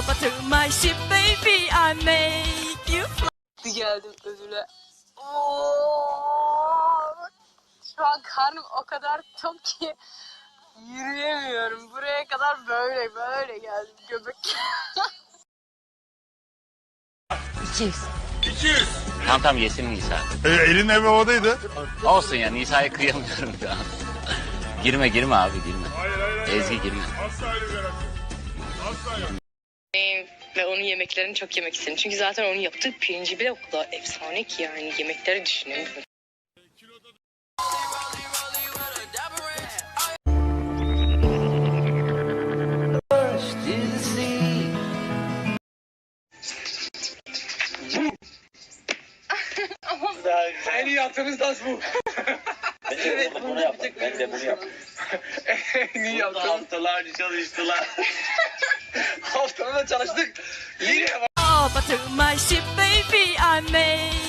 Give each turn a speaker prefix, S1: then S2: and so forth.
S1: to my ship baby I make you fly.
S2: Geldim ödüle. Şu an karnım o kadar tok ki yürüyemiyorum. Buraya kadar böyle geldim göbek.
S1: 200.
S3: 200.
S4: Tamam yesin Nisa.
S3: Elin hep havadaydı.
S4: Olsun ya Nisa'ya kıyamıyorum şu an. girme abi girme.
S3: Hayır.
S4: Ezgi girme.
S3: Asla öyle bir yaratım. Asla yok.
S2: Ve onun yemeklerini çok yemek istedim. Çünkü zaten onun yaptığı pirinci bile o kadar efsane ki yani yemekleri düşünemiyorum.
S5: En iyi yaptığımız dans bu.
S6: Evet, bunu yaptık. Ben de bunu yaptım.
S5: En iyi yaptığımız.
S6: Haftalarca çalıştılar.
S5: Haftada çalıştık. Yine
S1: To my ship baby I make